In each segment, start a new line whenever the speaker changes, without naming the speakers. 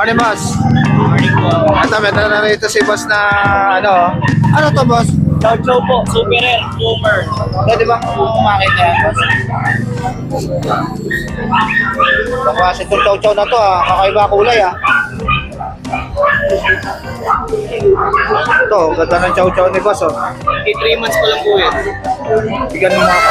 Morning, boss.
Morning po.
Ito, may na rito si boss na ano. Ano to, boss?
Chow Chow po, super rare, boomer.
Pwede bang makita yan, boss? Ang klase itong chow-chow na to, kakaiba kulay, Ito, ganda ng chow-chow ni boss,
3 months pa lang po yun.
Bigyan mo mga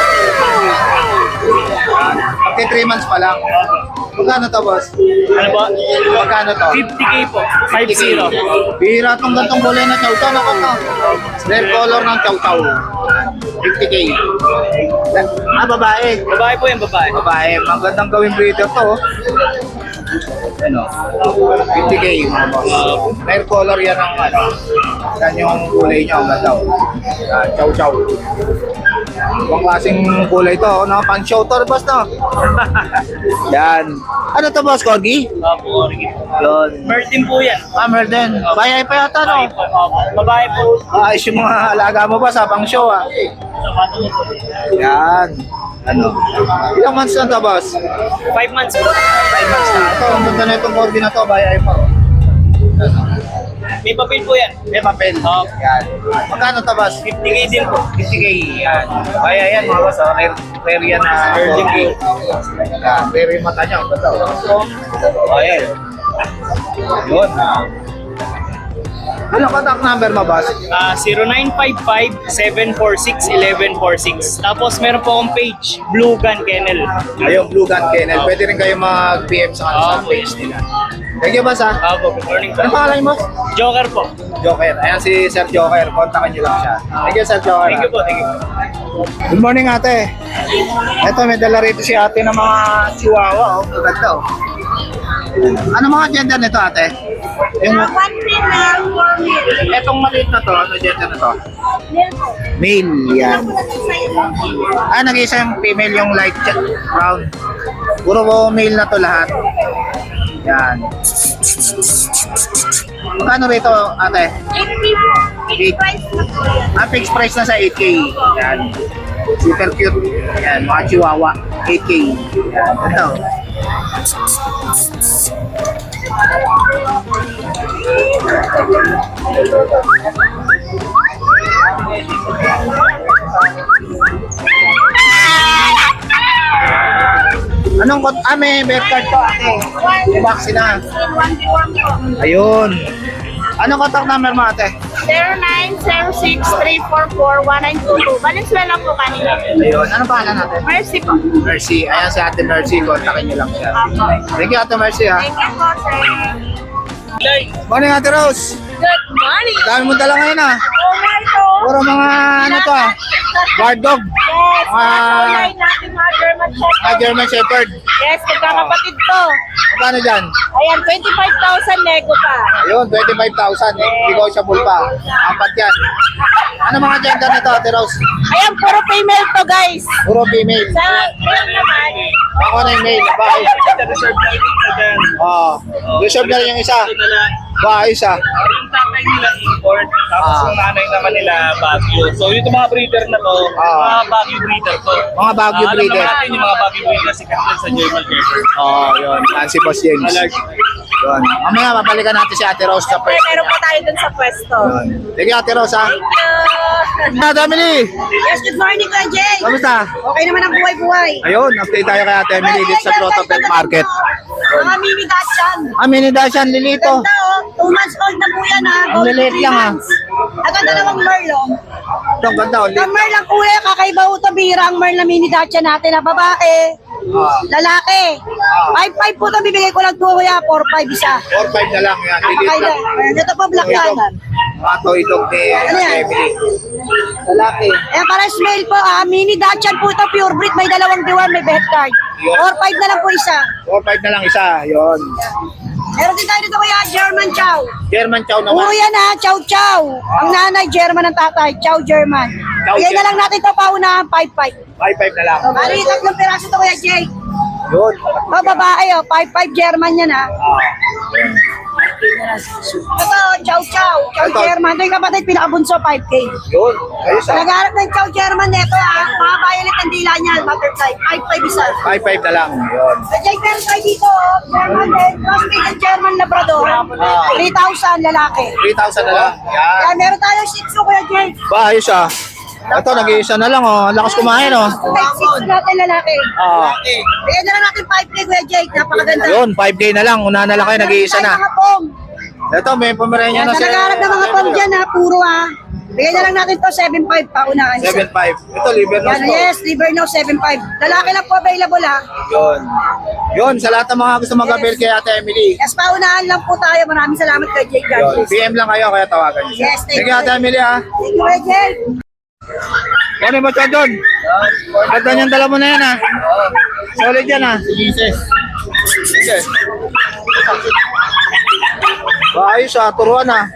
Pagka 3 months pa lang. Magkano to, boss?
Ano ba?
Magkano to?
50k po, 50.
Bihira itong gantong kulay na chow-chow. Naku to. Rare color ng chow-chow. 50k. Babae.
Babae po yan, babae.
Babae. Magandang gawing breeder to. Ano? 50k mga boss. Rare color yan ang ano. Yan yung kulay niya. Ang ganda. Chow-chow. Ibang klaseng kulay to. No? Pang-show to, boss, no? Yan. Ano to, boss? Corgi?
Opo, origi po.
Yun.
Mertin po yan.
Merden. Bayay pa yata, no?
Babae po, opo. Babae po.
Ayos yung mga alaga mo ba sa pang-show, Yan. Ano? Ilang months na to, boss?
5 months po.
5 months na. Ito, ang ganda na itong Corgi na to. Bayay pa.
May papel po yan.
May papel. Yan. Magkano to, boss?
50k din po.
50k. Yan. Bayay yan, mga boss. Rare yan na
Virgin
Corgi. Yan. Rare yung mata niya. Ang ganda. Bayay. Yun. Ano contact number mo, boss?
0955-746-1146. Tapos meron po akong page, Blue Gun Kennel.
Ayun, Blue Gun Kennel. Pwede rin kayo mag-PM sa page nila. Thank you, boss,
Opo, good morning po.
Ano pangalan mo?
Joker po.
Joker. Ayan si Sir Joker. Kontakin niyo lang siya. Thank you, Sir Joker.
Thank you po, thank you po.
Good morning, ate. Ito, may dala rito si ate ng mga chihuahua. Maganda, Ano mga gender nito, ate? Yung,
One female, 4 male.
etong maliit na to, ano gender na to?
Male po.
Male, yan.
Nag-isa yung
Nag-isa yung female, yung light brown. Puro male na to lahat. Yan. Magkano rito, ate?
8K po. Fixed price na po yan.
Fixed price na sa 8K. Yan. Super cute. Yan, mga chihuahua. 8K. Yan, ito. Anong kot? May birth card to, ate. May vaccine na.
1v1 po.
Ayun. Anong contact number mo, ate?
0906-344-1922. Valenzuela po kanina.
Ayun. Anong pangalan natin?
Mercy po.
Mercy. Ayan si ate Mercy. Kontakin niyo lang siya. Thank you, ate Mercy, ha.
Thank you po, sir.
Morning, ate Rose.
Good morning.
Dami mo dala ngayon, ha.
Oh my God.
Puro mga, ano to, ha? Guard dog.
Yes, mga kulay natin mga German Shepherd.
German Shepherd.
Yes, magkakapatid to.
Magkano dyan?
Ayan, 25,000 nego pa.
Ayun, 25,000. Negotiable pa. Apat yan. Ano mga gender nito, ate Rose?
Ayan, puro female to, guys.
Puro female.
Sa male naman,
Ako na yung male. Bakit?
Reserve na rin na dyan.
Oo. Reserve na rin yung isa.
Ito na lang.
Ayos, ha.
Yung tatay nila import, tapos yung nanay naman nila Baguio. So yung mga breeder na to, mga Baguio breeder to.
Mga Baguio breeder.
Alam naman natin yung mga Baguio breeder, sikat yan sa German Shepherd.
Yun. Yan si Boss James. Yun. Mamaya, babalikan natin si ate Rose sa pwesto.
meron pa tayo dun sa pwesto.
Yun. Thank you, ate Rose, ha.
Thank you.
Emily!
Yes, good morning, Kuya Jay.
Kamusta?
Okay naman ang buhay-buhay.
Ayun, update tayo kay ate Emily dito sa Grotto Pet Market.
Mga mini Dachshund.
Mini Dashan, Lilito.
Ganda, 2 months old na po yan, ha.
Ang liliit lang, ha.
Ang ganda namang Merl, oh.
Ito, ang ganda, ulit.
Ang Merl ang kuya, kakaiba ho ito, bihira ang Merl na mini Dachshund natin na babae. Lalaki. 5-5 po ito, bibigay ko lang 2 kuya, 4-5 isa.
4-5 na lang yan. Lilito.
Kakaiba. Ito po, black canon.
Mga toy dog ni
Ano yan?
Emily. Lalaki.
Eh, para male po, mini Dachshund po ito, pure breed, may 2 diwan, may vet card. 4-5 na lang po isa.
4-5 na lang isa. Yun.
Meron din tayo dito kuya, German Chow.
German Chow
Puro
naman.
yan ha, Chow Chow. Ang nanay, German ang tatay, Chow German.
Chow
Bigyan na
German.
lang natin ito paunahan, 5-5.
5-5 na lang.
Bali, 3 piraso ito kuya, Jay.
Yun.
O, babae, 5-5 German yan ha. Ito, Chow Chow. Chow
Ito.
German. Ito yung kapatid, pinakabunso, 5K.
Yun. Ayos ah.
Nagharap ng Chow German nito mga violet ang dila niya, butterfly. 5-5 isa.
5-5 na lang. Yun.
Jay, meron tayo dito, German din. Cross-breed German Labrador. 3,000 lalaki.
3,000 na lang. Yan.
Kaya meron tayo Shih Tzu, Kuya Jay.
Ba, ayos ah. Ito, nag-iisa na lang oh. Ang lakas kumain oh.
Shih Tzu natin lalaki. Bigyan na lang natin 5K, Kuya Jay. Napakaganda.
Yun, 5K na lang. Una na lang kayo, nag-iisa na.
Mga pong.
Ito, may pomeranya
Yan,
na
sa nagharap ng mga pong dyan puro Bigyan na lang natin to 7.5 pa unahan.
7.5. Ito, liver nose
Yan,
po.
yes, liver no 7.5. Lalaki lang po available
Yun. Yun, sa lahat ng mga gusto mag-avail kay Ate Emily.
Yes, paunahan lang po tayo. Maraming salamat kay Jake
Yun.
Garcia.
PM lang kayo, kaya tawagan niyo.
Yes, thank
Sige, Ate Emily ah.
Thank you, Kuya Jake.
Ano ba siya doon? Ganda niyang dala mo na yan ah. Solid yan ah. Jesus. Sige. Ayos ah, turuan ah.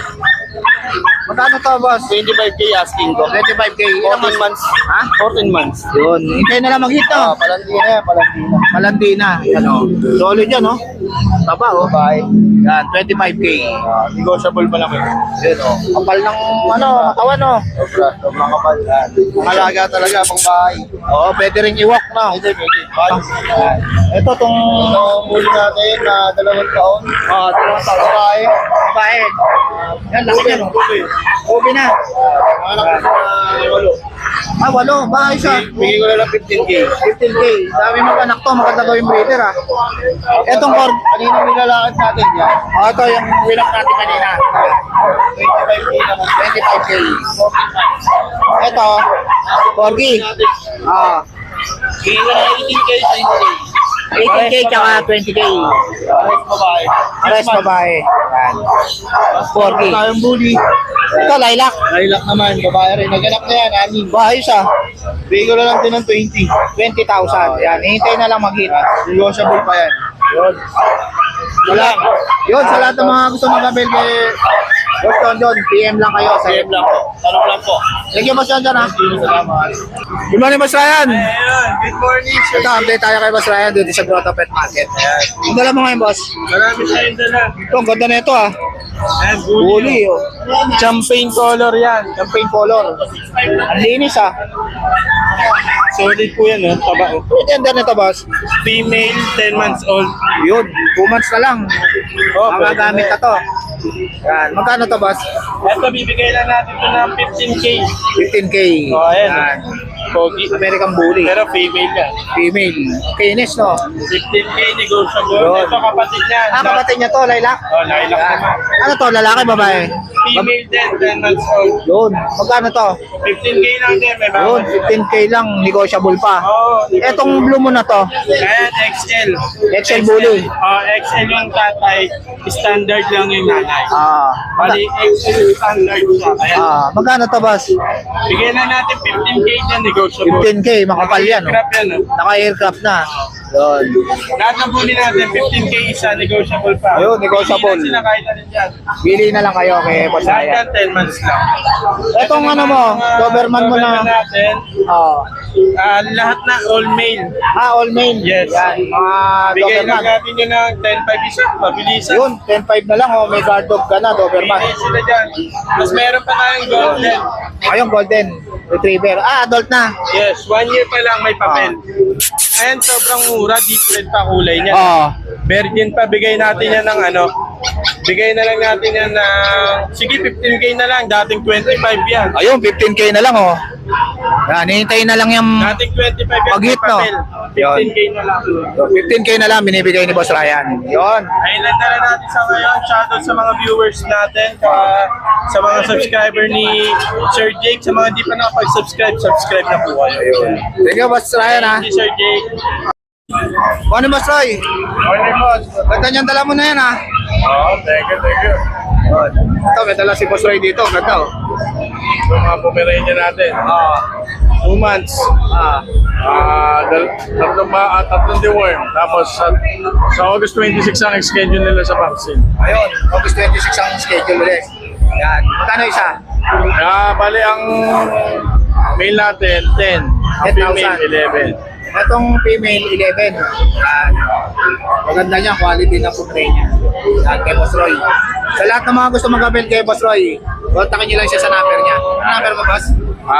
Magkano to, boss?
25K asking ko.
25K. Ilang
14 months.
Ha?
14 months.
Yun. Hintay na lang mag-hit no?
Palandi na yan, palandi na.
Malandi na. Yan o. Solid yan o. Taba o.
Bye.
Yan, 25K.
Negotiable pa lang eh.
Yan o. Kapal ng ano, katawan o.
Sobrang kapal.
Malaga talaga pang bahay. Oo, pwede rin i-walk na.
Pwede.
Yan. Ito tong
Muli natin na 2 taon.
dalawang taon. Babae. Babae. Yan, laki yan o. Ubi na.
Anak ko na 8.
Ah, walo. Bahay siya.
Bigay ko na lang 15K.
15K. Dami mag-anak to. Maganda gawing breeder ah. Etong cord.
Kanina nilalakad natin yan.
Ito yung winak natin kanina.
25K na lang.
25K. Ito, Corgi. Ah,
Bigay ko na 18K sa
18K tsaka 20K.
Pares babae.
Pares babae. Yan. Corgi.
Tayong bully.
Ito, lilac.
Lilac naman, babae rin. Naganap na yan, anim.
Ayos ah.
Bigay ko na lang din ng 20.
20,000. Yan, hihintay na lang mag-hit.
Negotiable pa yan.
Yun. Wala. Yun, sa lahat ng mga gusto mag-avail kay Boss John, PM lang kayo. Sa
PM lang po. Tanong lang po.
Thank you, Boss John ah.
Salamat.
Good morning, Boss Ryan.
Ayun, good morning, sir.
Ito, update tayo kay Boss Ryan dito sa Grotto Pet Market. Ang dala mo ngayon, Boss?
Marami tayong dala.
Ito, ang ganda na ito ah.
Ayan,
Bully, oh.
Champagne color yan.
Campaign color. Ang linis ah.
Solid po yan, oh. Taba, oh.
Ang ganda nito, Boss.
Female, 10 months old.
Yun, 2 months na lang.
Oh,
Mga gamit na to. Yan, magkano to, Boss?
Ito, bibigay lang natin ito ng 15K.
15K.
Oh, ayan.
Yan.
Pogi.
American Bully.
Pero female yan.
Female. Kinis, no?
15K negotiable.
Yun.
Ito kapatid niya.
Ah, kapatid niya to, Lilac.
Oh, lilac
Yan.
naman.
Ano to, lalaki, babae?
Female din, 10 months old.
Yun. Magkano to?
15K lang din, may
Yun,
bawat.
15K lang, negotiable pa.
Oh,
Etong blue mo na to,
Ayan, XL.
XL Bully.
Oh, XL yung tatay, standard lang yung nanay. Bali, XL yung standard siya. Ayan.
Magkano to, boss?
Bigyan na natin 15K dyan, negotiable.
15K, makapal yan.
Crap yan, oh.
Naka-aircraft na. Yun.
Lahat ng bully natin, 15K isa, negotiable pa.
Ayun, negotiable.
Hindi na sila kahit alin dyan.
Bili na lang kayo kay Boss
Lahat
Ryan.
yan, 10 months lang.
Etong ano mo, Doberman mo na.
Doberman natin, lahat na all male.
All main.
Yes.
Yan, mga
Bigay lang
Doberman.
natin yun ng 10-5 isa, mabilisan.
Yun, 10.5 na lang. May guard dog ka na, Doberman.
Bigay sila dyan. Mas meron pa tayong golden.
Ayun, Golden Retriever. Adult na.
Yes, 1 year pa lang may papel. And sobrang mura, different pa kulay niya. Virgin pa, bigay natin yan ng ano. Bigay na lang natin yan ng, sige 15K na lang, dating 25 yan.
Ayun, 15K na lang, oh. Yan, hihintayin na lang yung
Dating 25 yan,
Pag-hit, no?
15K na lang.
15K na lang binibigay ni Boss Ryan. Yun.
Ayun na lang natin sa ngayon. Shoutout sa mga viewers natin, sa mga subscriber ni Sir Jake. Sa mga di pa nakapag-subscribe, subscribe na po kayo.
Thank you, Boss Ryan, ha.
Thank you, Sir Jake.
Ano, Boss Roy?
Morning, boss.
Ganda niyang dala mo na yan, ha.
Thank you.
Ito, may dala si Boss Roy dito. Ganda, oh.
Ito mga Pomeranian natin. 2 months. Tatlong deworm. Tapos sa August 26 ang schedule nila sa vaccine.
Ayun, August 26 ang schedule ulit. Yan. Magkano isa?
Bali ang male natin, 10. Ang
10,000.
female, 11.
Itong female, 11. Yan. Maganda niya, quality na food niya. Yan, kay Boss Roy. Sa lahat ng mga gusto mag-avail kay Boss Roy, kontakin nyo lang siya sa number niya. Ano number mo, boss?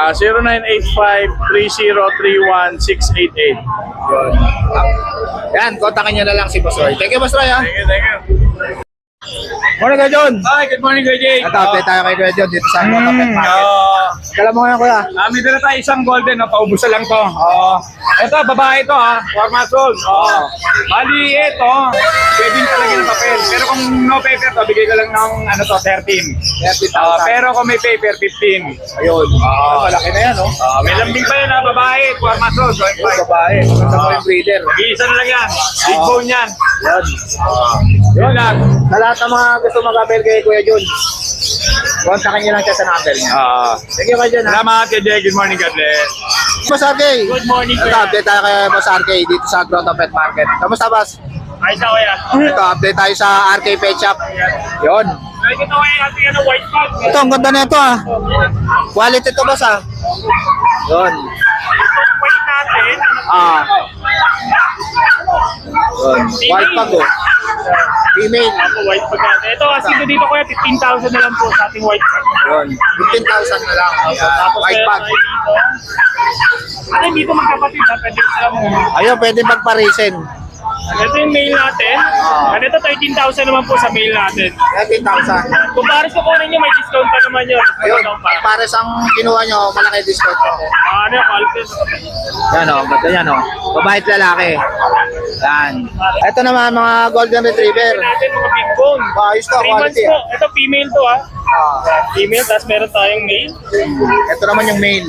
0985-3031-688.
Yun. Yan, kontakin nyo na lang si Boss Roy. Thank you, Boss Roy, ha?
Thank you.
Morning, Kuya John.
Hi, good morning, Kuya Jake.
Nata-update tayo kay Kuya John dito sa Pet Market. Kala mo ngayon, Kuya?
May dala tayo isang golden, no? Paubusan lang to. Ito, babae to, ha? 4 months old. Bali, ito, pwedeng talaga ng papel. Pero kung no paper to, bigay ko lang ng, 13.
30,000.
Pero kung may paper, 15.
Ayun. Malaki na yan, no?
May lambing pa yun, ha? Babae, 4 months old.
Yung babae. Maganda mo yung breeder.
Isa na lang yan. Big bone yan.
Yan.
Yun lang.
Sa lahat ng mga gusto mag-avail kay Kuya John, kontakin nyo lang siya sa number niya. Thank you, Kuya John, ha?
Salamat, Kuya Jake. Good morning, God bless.
Boss RK.
Good morning, Kuya.
Nata-update tayo kay Boss RK dito sa Grotto Pet Market. Kamusta, boss?
Ayos na, Kuya.
Ito, update tayo sa RK Pet Shop. Yun.
Ito, Kuya, ating white bag.
Ito, ang ganda na ito, ah. Quality ito, boss, ah. Yun.
White natin.
Yun. White pag, oh. Female.
Ako, white bag natin. Ito, asking ko dito, Kuya, 15,000 na lang po sa ating white bag.
Yun. 15,000 na lang. Ayan. White pag.
Ano, dito magkapatid, ha? Pwede sila mo.
Ayun, pwede magparisin.
Ito yung mail natin. Ano ito, 13,000 naman po sa mail natin.
13,000.
Kung pares ko kunin nyo, may discount pa naman yun.
Ayun, pares ang kinuha nyo, malaki discount ko.
Ano yung quality?
Yan o, ganda yan o. Babae at lalaki. Yan. Ito naman mga golden retriever.
Natin mga big bone.
Ayos to,
3 months
quality.
po. Ito female to, ha. Female, tapos meron tayong male.
Ito naman yung male.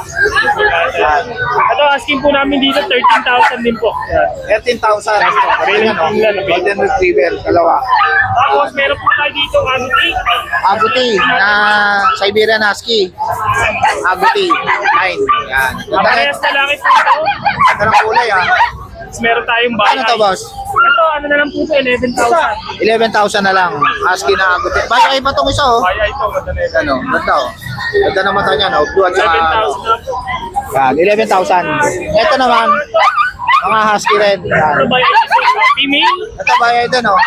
Ito, asking po namin dito, 13,000 din po.
13,000. Ayan o, golden retriever, dalawa.
Tapos meron po tayo dito, Aguti.
Aguti na Siberian Husky. Aguti, 9. Yan. Ganda na.
Parehas na lang ito.
Ganda ng kulay ah.
Tapos meron tayong
Ano to, boss?
Ito, ano na lang po ito, 11,000.
11,000 na lang. Husky na Aguti. Bayo pa itong isa oh.
Kaya ito, ganda na ito.
Ano, ganda oh. Ganda ng mata niya no. Blue at saka
7,000 na po.
yan, 11,000. Ito naman, mga husky rin. Yan.
Ito ba yung female?
Ito bayay din oh.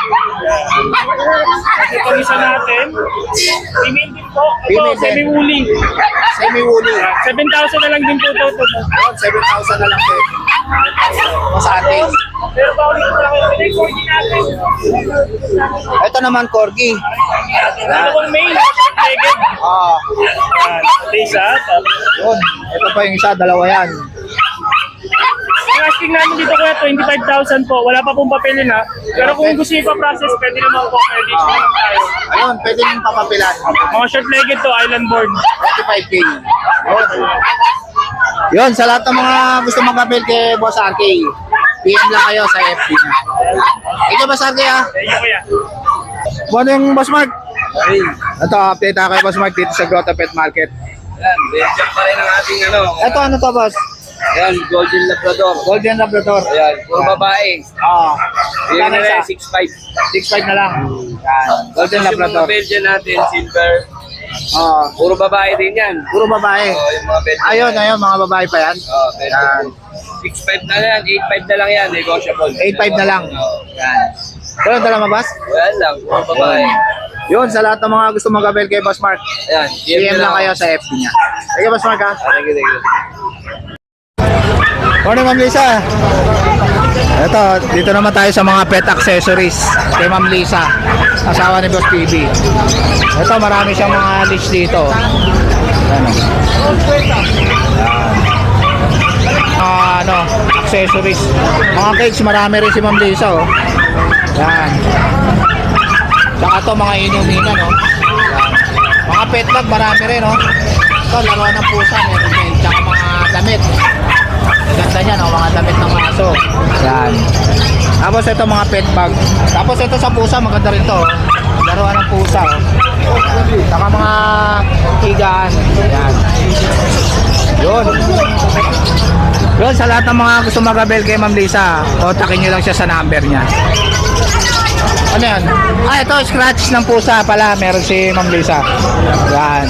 Ito isa natin. Female din po. Ito,
Female din.
semi-woolly.
Semi-woolly.
7,000 na lang din po ito.
Yun, 7,000 na lang din. Mas ating.
Pero ba ulit ko lang yung corgi natin?
Ito naman corgi.
Ano kung male? Legged.
Ah,
Ito isa. Tapos,
yun. Ito pa yung isa, dalawa yan.
yung asking namin dito kuya, 25,000 po. Wala pa pong papelin ha. Pero kung gusto nyo pa-process, pwede naman po. Pwede naman tayo.
Ayun, pwede yung papapilan.
Mga short-legged to, island board.
25K. Yun. Yun, sa lahat ng mga gusto mag-avail kay Boss RK, PM lang kayo sa FB niya. Thank you, Boss RK ah.
Thank you kuya.
Morning, Boss Mark. Ito, update ako kay Boss Mark dito sa Grotto Pet Market.
Yan, basic pa rin ang ating ano.
Ito, ano to, Boss?
Ayan, Golden Labrador.
Golden Labrador.
Ayan, puro babae. Bigyan
Magkano
na
isa?
lang 6'5".
6'5 na lang. Yan. Golden
Tapos
Labrador.
yung mga Belgian natin, silver.
Ah,
Puro babae din yan.
puro babae.
Yung mga Belgian.
Ayun, ayun, mga babae pa yan. Yan.
6'5 na lang, 8'5 na lang yan, negotiable.
8'5 na lang. Yan. Wala na lang, Boss?
Wala lang, puro babae.
Yun, sa lahat ng mga gusto mag-avail kay Boss Mark,
Ayan,
PM lang kayo sa FB niya. Thank you, Boss Mark ha.
Thank you, thank you.
Morning, Ma'am Lisa. Ito, dito naman tayo sa mga pet accessories kay Ma'am Lisa, asawa ni Boss PB. Ito, marami siyang mga leash dito. Ano? Ano, accessories. Mga cage, marami rin si Ma'am Lisa, oh. Yan. Saka to, mga inuminan, oh. Yan. Mga pet bag, marami rin, oh. Ito, laruan ng pusa, meron din. Tsaka mga damit. Ganda niya, no? Mga damit ng aso. Yan. Tapos ito mga pet bag. Tapos ito sa pusa, maganda rin to. Laruan ng pusa. Oh. Yan. Saka mga higaan. Yan. Yun. Yun, sa lahat ng mga gusto mag-avail kay Ma'am Lisa, kontakin nyo lang siya sa number niya. Ano yan? Ah, ito, scratch ng pusa pala. Meron si Ma'am Lisa. Yan.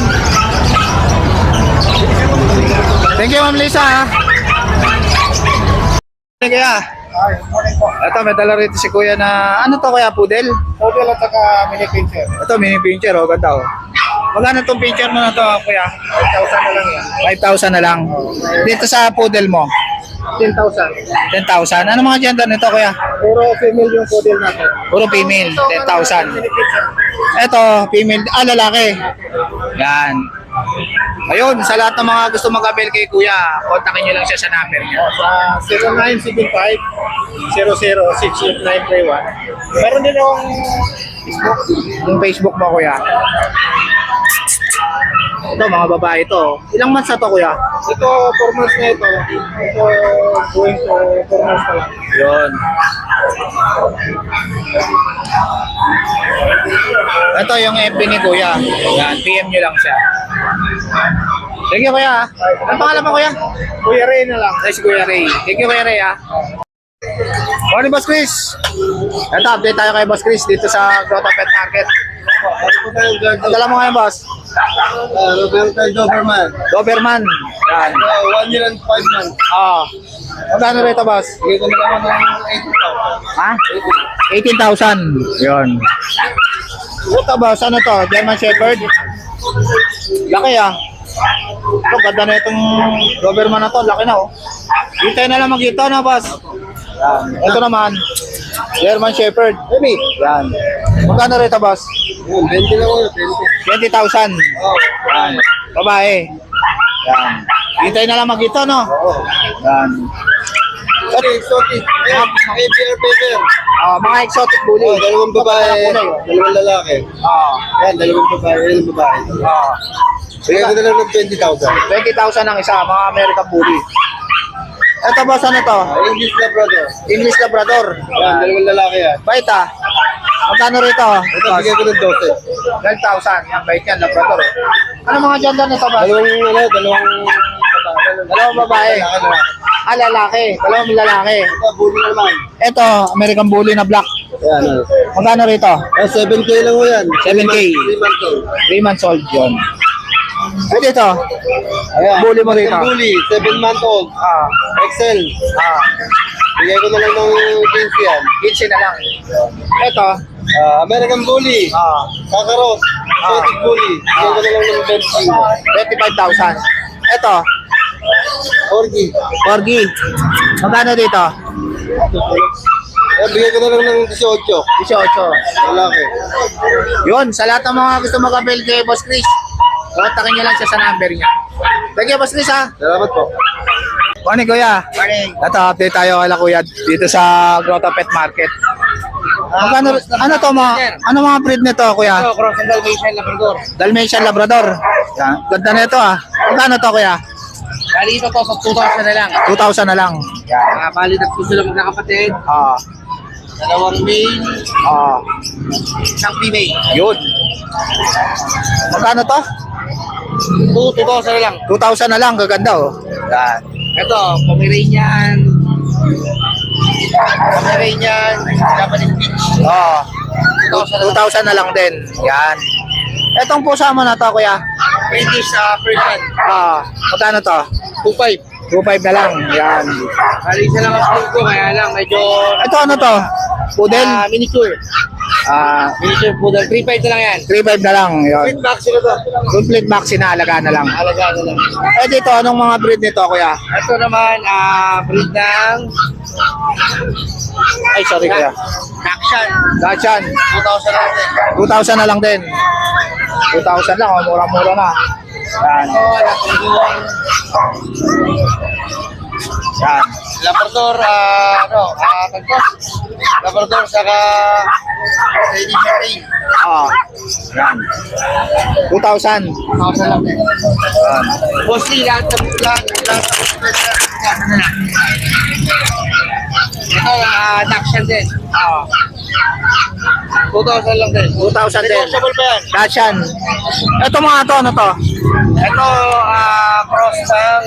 Thank you, Ma'am Lisa. Kaya, Ito, may dala rito si kuya na, ano to kuya, poodle?
Poodle at saka mini pincher.
Ito, mini pincher, oh, ganda oh. Magkano itong pincher mo na to, kuya?
5,000 na lang yan.
5,000 na lang. Dito sa poodle mo,
10,000.
10,000. Ano mga gender nito, kuya?
Puro female yung poodle natin.
Puro female, 10,000. Ito, female, lalaki. Yan. Ayun, sa lahat ng mga gusto mag-avail kay kuya, kontakin nyo lang siya sa number niya.
Sa 0975-0068-931. Meron din akong
Yung Facebook mo, kuya. Ito, mga babae ito. Ilang months na to, kuya?
ito, 4 months na ito. Ito, going to 4 months na lang.
Yun. Ito yung FB ni kuya. Yan, PM nyo lang siya. Thank you, kuya. Ang pangalan mo, kuya?
Kuya Ray na lang.
Ay, si Kuya Ray. Thank you, Kuya Ray, ha. Morning, Boss Chris. Ito, update tayo kay Boss Chris dito sa Grotto Pet Market. Ang dala mo ngayon, Boss?
Roberto Doberman.
Doberman. Yan.
1 year and 5 months.
Magkano rito, Boss?
Bigay ko na lang ako ng
Ha? 18,000. Yun. Ito, Boss, ano to? German Shepherd? Laki, ah. Ito, ganda na itong Doberman na to. Laki na, oh. Hintay na lang magkita na, Boss. Yan. Ito naman, German Shepherd. Yan. Magkano rito, Boss?
20 lang ako, 20.
20,000. Yan. Babae. Yan. Hintay na lang magkita, no? Yan.
Exotic. ABR paper.
Mga exotic bully.
Dalawang babae, dalawang lalaki. Yan, dalawang babae, dalawang babae. Bigay ko na lang ng 20,000.
20,000 ang isa, mga American bully. Ito, Boss, ano to?
English Labrador.
English Labrador.
Yan, dalawang lalaki yan.
Bait, ah. Magkano rito?
Ito, bigay ko ng 12.
12,000. Yan, bait yan, Labrador. Ano mga gender nito, Boss? Dalawang babae. Lalaki. Dalawang lalaki.
Ito, bully na naman.
Ito, American bully na black.
Yan,
Magkano rito?
7K lang mo yan.
7K.
3 months old.
3 months old yun. Ay, dito.
Ayan.
Bully mo rito.
Bully, 7 months old. Excel. Bigay ko na lang ng 15 yan.
15 na lang. Ito.
American Bully. Kakaros. Exotic Bully. Bigay ko na lang ng
25,000. Ito.
Orgy.
Corgi. Magkano dito?
Bigay ko na lang ng 18.
18.
Lalaki.
Yun, sa lahat ng mga gusto mag-avail kay Boss Chris, kontakin niyo lang siya sa number niya. Thank you, Boss Chris, ha.
Salamat po.
Morning, Kuya.
Morning.
Ito, update tayo kay Kuya dito sa Grotto Pet Market. Magkano, ano to ano mga breed nito, Kuya?
Ito, cross and Dalmatian Labrador.
Dalmatian Labrador. Yan, ganda na ito, ah. Magkano to, Kuya?
Bali ito to sa 2,000 na lang.
2,000 na lang.
Bali tatlo sila magkakapatid. Dalawang male,
Isang female. Yun. Magkano to?
2,000 na lang.
2,000 na lang, gaganda, oh. Yan.
Ito, Pomeranian. Pomeranian, Japanese Beach.
2,000 na lang din. Yan. Etong pusa mo na to, Kuya.
British Persian.
Magkano to?
2,500.
2,500 na lang. Yan.
Bali isa lang ang school ko, kaya lang medyo
Ito ano to? Poodle?
miniature. Miniature poodle. 3,500 na lang yan.
3,500 na lang. Yan.
Vaccine to.
Complete vaccine na alaga na lang.
Alaga na lang.
Eh dito, anong mga breed nito, Kuya?
Ito naman, breed ng
Ay, sorry, Kuya.
Action.
Dachshund.
2,000 na lang din.
2,000 na lang din. 2,000 lang, oh. Mura-mura na. Yan.
Ito, Labrador.
Yan.
Labrador, Labrador saka Lady Sherry.
Yan. 2,000.
2,000 lang din.
Yan.
Mostly lahat ng ito, Dachshund din. 2,000 lang din.
2,000 din.
Negotiable pa yan.
Dachshund. Ito mga to, ano to?
Ito, cross ng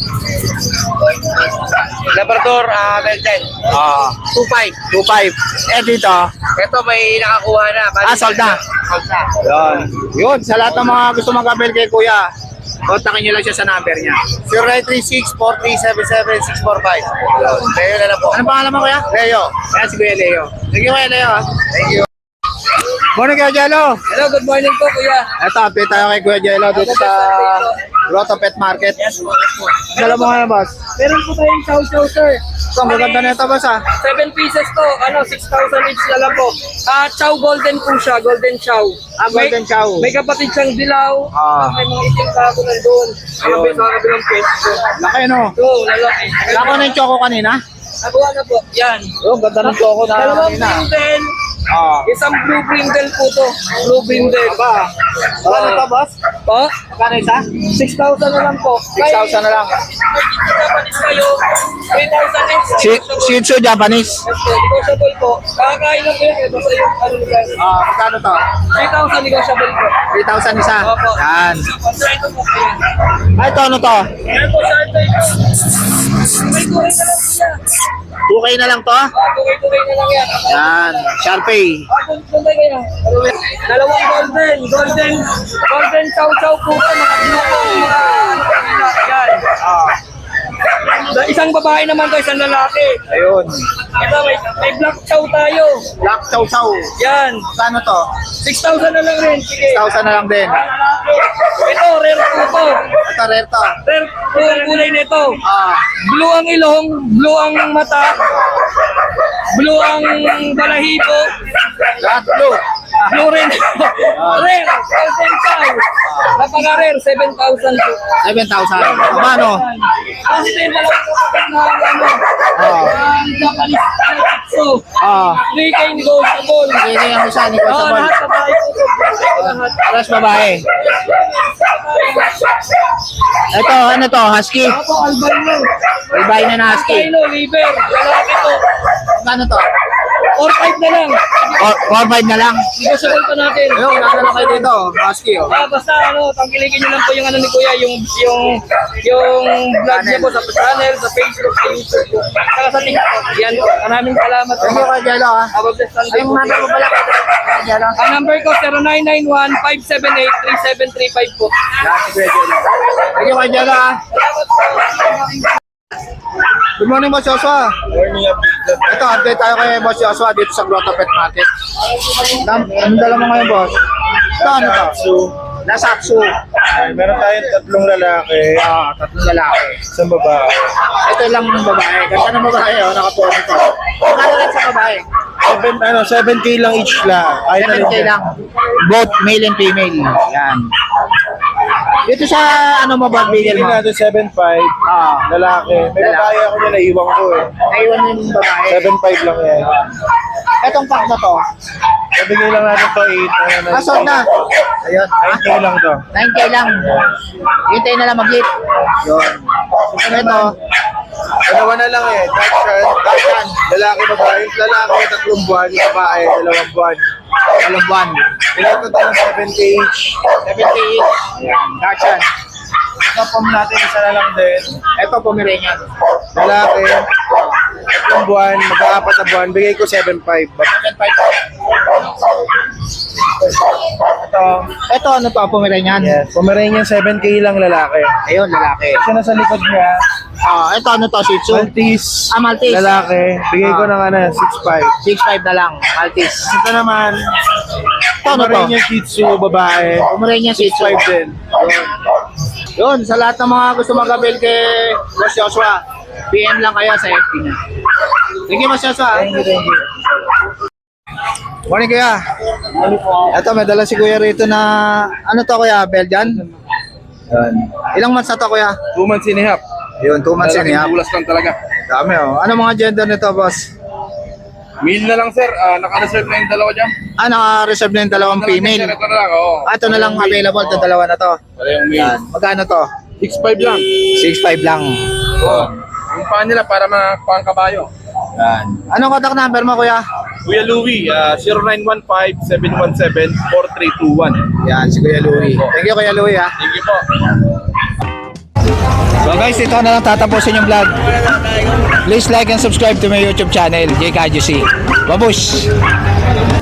Labrador, Belgian. 2,500.
2,500. Eh dito,
Ito may nakakuha na. Bali,
sold na.
Sold na.
Yun. Yun, sa lahat ng mga gusto mag-avail kay Kuya, kontakin nyo lang siya sa number niya. 0936-4377-645. Leo na lang po. Anong pangalan mo kuya? Leo. Ayan si Kuya Leo. Thank you Kuya Leo. Thank you. Morning Kuya Jello.
Hello, good morning po, kuya.
Ito, update tayo kay Kuya Jello dito sa Grotto Pet Market. Dala mo nga na boss.
Meron po tayong chow-chow, sir.
Ito, ang gaganda na ito boss ah.
7 pieces to, 6,000 each na lang po. Chow golden po siya, golden chow.
Golden chow.
May kapatid siyang dilaw, may mga itim kako nandun.
Ayun.
Sa kabilang pwesto.
Laki no?
So, lalaki.
Lako na yung choco kanina.
Nakuha na po, yan.
Oh, ganda ng choco na
Dalawang
kanina.
brindle,
Ah.
isang blue brindle po to. Blue brindle.
Ba? Ano to boss?
Po?
Kano isa?
6,000 na lang po.
6,000 na lang.
Japanese kayo, 3,000 each.
Shih Tzu Japanese.
Negotiable po. Kakakain lang po yan. Basta yung ano nila.
Magkano to?
3,000 negotiable po.
3,000 isa.
Opo.
Yan.
Kontrento po po yan.
Ay, ito ano to?
Yan po, sir. May tuloy na lang siya.
2K na lang to?
Tuloy na lang yan.
Yan. Sharpay.
Tuloy kaya. Dalawang golden chow-chow po po. Mga bluko. Yan. Isang babae naman to, isang lalaki.
Ayun.
Ito, may black chow tayo.
Black Chow Chow.
Yan.
Kano to?
6,000 na lang rin. Sige.
6,000 na lang din.
Ito, rare po to.
Ito, rare to.
Rare po ang kulay nito.
Ah.
Blue ang ilong, blue ang mata, blue ang balahibo,
Lahat blue.
blue rin. Rare, golden chow. Napaka-rare, 7,000 po.
7,000. Kumano?
Kasi din dalawang kapatid na ano, ang Japanese so, 3K negotiable.
Hindi yung isa,
Oo,
negotiable.
lahat babae po to. Lahat.
Alas babae. Ito, ano to? Husky.
Ako, albino.
Albino na husky.
Albino, liver, lalaki to.
Kano to?
4-5 na lang.
4-5 na lang.
Negotiable pa natin.
Ayun, ano lang kayo dito? Husky, oh.
Basta tangkilikin nyo lang po yung ano ni Kuya, yung vlog niya po sa channel, sa Facebook, sa YouTube po. Saka sa TikTok. Yan po. Maraming salamat po.
Thank you, Kuya Jello, ah.
Have a blessed Sunday
Ay,
po.
number mo pala, Kuya Jello.
Ang number ko, 0991-578-3735 po.
Yan, si Kuya Jello. Thank you, Kuya Jello, ah.
Salamat po.
Good morning, Boss Joshua. Ito, update tayo kay Boss Joshua dito sa Grotto Pet Market. Ang dala mo ngayon, Boss? Ito, ano to? Nasaksu.
Meron tayong 3 lalaki,
3 lalaki.
isang babae.
Ito lang ng babae. Ganda ng babae, oh. Nakapuha ito. Magkano lang sa babae?
7K lang each lang.
7K lang. Both male and female. Yan. Dito sa ano mo ba bigyan
Bigyan
mo?
natin 7.5, lalaki. May
Lalaki.
babae ako na naiwan ko eh.
Naiwan mo yung babae.
7.5 lang yan.
Etong pack na to.
Nabigay lang natin to 8.
Sold na. Ayun.
9K lang to.
9K lang. Hintay na lang mag-hit. Yun. Ito.
Dalawa na lang eh. Dachshund. Lalaki, babae. Lalaki, 3 buwan. Babae, 2 buwan.
Walang buwan.
Bigyan ko tayo ng 7K each.
7K each. Dachshund.
Ito pom natin, isa na lang din.
Ito, Pomeranian.
Lalaki, 3 buwan, magka-4 na buwan. Bigay ko 7.5.
7.5. Ito, ano to, Pomeranian?
Yes. Pomeranian 7K lang lalaki.
Ayun, lalaki.
Siya na sa likod niya.
Ito, ano to, Shih Tzu?
Maltese.
Maltese.
Lalaki. Bigay ko ng 6.5.
6.5 na lang, Maltese.
Ito naman,
Ito, ano to?
Pomeranian Shih Tzu, babae.
Pomeranian Shih Tzu.
6.5 din.
Yun, sa lahat ng mga gusto mag-avail kay Boss Joshua, PM lang kayo sa FB niya. Thank you, Boss Joshua.
Thank you.
Morning, Kuya. Ito, may dala si Kuya rito na, ano to, Kuya? Belgian?
Yan.
Ilang months na to, Kuya?
2 months and a half.
Yun, 2 months yun, ya.
Bulas lang talaga.
Dami, oh. Ano mga gender nito, Boss?
Meal na lang, sir. Naka-reserve na yung dalawa dyan.
Naka-reserve na yung dalawang female.
Ito na lang, oo.
Ito na lang available, ito dalawa na to.
Wala yung meal.
Yan. Magkano to?
6.5 lang.
6.5 lang.
Oo. Yung paan nila para pang kabayo.
Yan. Anong contact number mo, Kuya?
Kuya Louie, 0915-717-4321.
Yan, si Kuya Louie. Thank you, Kuya Louie, ha.
Thank you po.
So guys, ito na lang tatapusin yung vlog. Please like and subscribe to my YouTube channel, JKJC. Babush!